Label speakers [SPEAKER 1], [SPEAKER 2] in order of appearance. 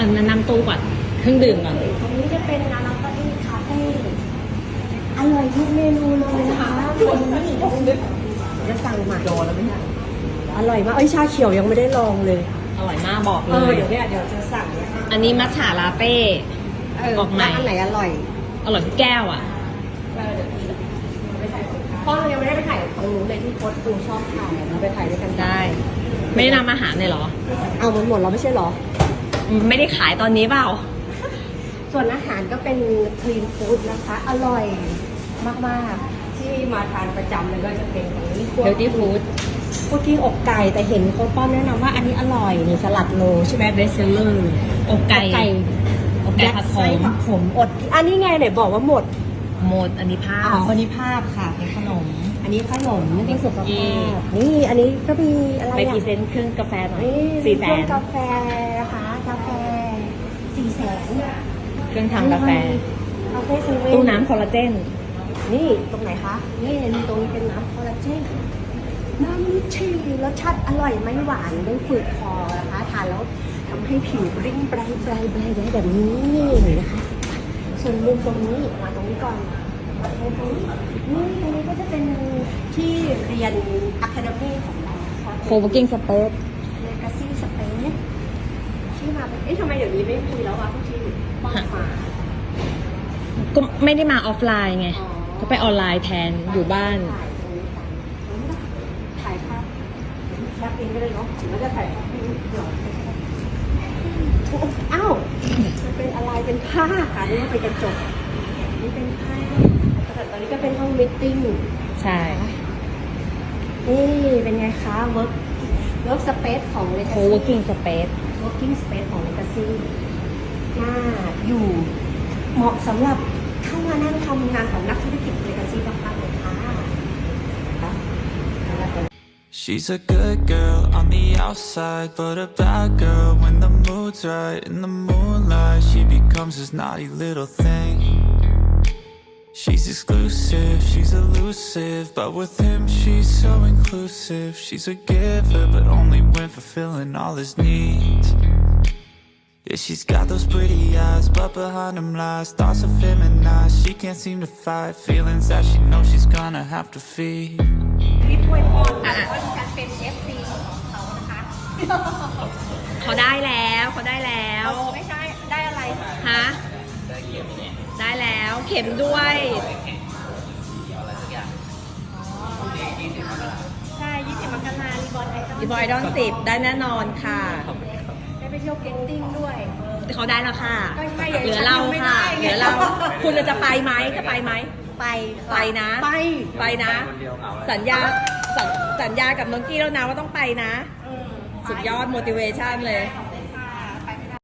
[SPEAKER 1] แนะนำตู้ก่อนเครื่องดื่มก่อน
[SPEAKER 2] ตรงนี้จะเป็นร้านลอตเตอรี่คาเฟ่อร่อยทุกเมนูเลยนะคะจะสั่งมาโดนแล้วไหมเนี่ยอร่อยมากชาเขียวยังไม่ได้ลองเลย
[SPEAKER 1] อร่อยมากบอกเลย
[SPEAKER 2] เดี๋ยวจะสั่งนะคะ
[SPEAKER 1] อันนี้มัทฉะลาเต้ออกใหม่
[SPEAKER 2] อันไหนอร่อย
[SPEAKER 1] อร่อยทุกแก้วอ่ะ
[SPEAKER 2] เพราะเรายังไม่ได้ไปถ่ายของหนูเลยที่โค้ดกูชอบถ่ายเราไปถ่ายด้วยกัน
[SPEAKER 1] ได้ ไม่ได้นำอาหารเลยเหรอ
[SPEAKER 2] เอาหมดเราไม่ใช่หรอ
[SPEAKER 1] ไม่ได้ขายตอนนี้เปล่า
[SPEAKER 2] ส่วนอาหารก็เป็นคลีนฟู้ดนะคะ อร่อยมากๆ ที่มาทานประจำเลยก็จะเป็นของนี้
[SPEAKER 1] Healthy Food
[SPEAKER 2] พวกที่อกไก่แต่เห็นโค้ดป้อมแนะนำว่าอันนี้อร่อยนี่สลัดโลใช่ไหมเบสเซลเลอร์
[SPEAKER 1] อกไก่อกไก่ผัดข
[SPEAKER 2] ไส้
[SPEAKER 1] ม
[SPEAKER 2] ผักขมอดอันนี้ไงไหนบอกว่าหมด
[SPEAKER 1] หมดอันนี้ผ้า
[SPEAKER 2] อันนี้ภาพค่ะ
[SPEAKER 1] เป็นขนม
[SPEAKER 2] อันนี้ขนม
[SPEAKER 1] อันนี้
[SPEAKER 2] เพื่อสุข
[SPEAKER 1] คุกกี้
[SPEAKER 2] ภาพนี่อันนี้ก็มีอะไร
[SPEAKER 1] ไปพรี
[SPEAKER 2] อ่ะ
[SPEAKER 1] เซนต์เครื่องกาแฟหน่อย
[SPEAKER 2] นี่
[SPEAKER 1] 400,000
[SPEAKER 2] เครื่องกาแฟนะคะกาแฟ400,000
[SPEAKER 1] เครื่องทำกาแฟ
[SPEAKER 2] คาเฟ่เซเว่น
[SPEAKER 1] ตู้น้ำคอลลาเจน
[SPEAKER 2] นี่ตรงไหนคะ นี่ตรงนี้เป็นน้ำคอลลาเจนน้ำลิชีรสชาติอร่อยไม่หวานไม่ฝืดคอนะคะทานแล้วทำให้ผิวริ่งไบรท์แบบนี้นะคะส่วนมุมตรงนี้มาตรงนี้ก่อนมาตรงนี้นี่ตรงนี้ก็จะเป็นที่เรียน Academy ของเราค่ะ
[SPEAKER 1] Co-working Space
[SPEAKER 2] Legacy Space ที่มาเป็นทำไมเดี๋ยวนี้ไม่มีแล้วอะทุกที่ป้องมา
[SPEAKER 1] ก็ไม่ได้มาออฟไลน์ไง
[SPEAKER 2] อ๋อ
[SPEAKER 1] ก็ไปออนไลน์แทนอยู่บ้าน
[SPEAKER 2] ถ่ายภาพแคปเองก็ได้เนาะหรือว่าจะถ่ายภาพให้ดูเดี๋ยวอ้าวมันเป็นอะไรเป็นผ้าค่ะนี่ว่าเป็นกระจกนี่เป็นผ้าแต่ตอนนี้ก็เป็นห้องมิทติ้ง
[SPEAKER 1] ใช่
[SPEAKER 2] นี่เป็นไงคะเวิร์กสเปซของ Legacy
[SPEAKER 1] Co-working Space
[SPEAKER 2] working space ของ Legacy น่าอยู่เหมาะสำหรับเข้ามานั่งทำงานของนักธุรกิจ Legacy มากๆเลยค่ะ
[SPEAKER 3] She's a good girl on the outside, but a bad girl when the mood's right. In the moonlight, she becomes this naughty little thing. She's exclusive, she's elusive, but with him she's so inclusive. She's a giver, but only when fulfilling all his needs. Yeah, she's got those pretty eyes, but behind them lies thoughts of feminized. She can't seem to fight feelings that she knows she's gonna have to feed.
[SPEAKER 2] รีบอวยพรค่ะว่าดิฉันเป็น FC ของเขานะคะ
[SPEAKER 1] เขาได้แล้วเขาได้แล้ว
[SPEAKER 2] ไม่ใช่ได้อะไร
[SPEAKER 1] ฮะได้แล้วเข็มด้วย
[SPEAKER 2] ใช่20 มกรารีบอลไอดอล
[SPEAKER 1] ดีบอยดอน10ได้แน่นอนค่ะ
[SPEAKER 2] ได้ไปเที่ยวเก็ตติ้งด้วย
[SPEAKER 1] เขาได้แล้วค่ะ
[SPEAKER 2] ก็ใช่
[SPEAKER 1] เหลือเราค่ะ
[SPEAKER 2] ฉันยังไม่ได้
[SPEAKER 1] เหลือเรา คุณจะไปไหมจะไปไหม
[SPEAKER 2] ไป
[SPEAKER 1] ไปนะ ไปนะ สัญญากับน้องกี้แล้วนะว่าต้องไปนะ สุดยอด motivation เลย
[SPEAKER 2] ขอบ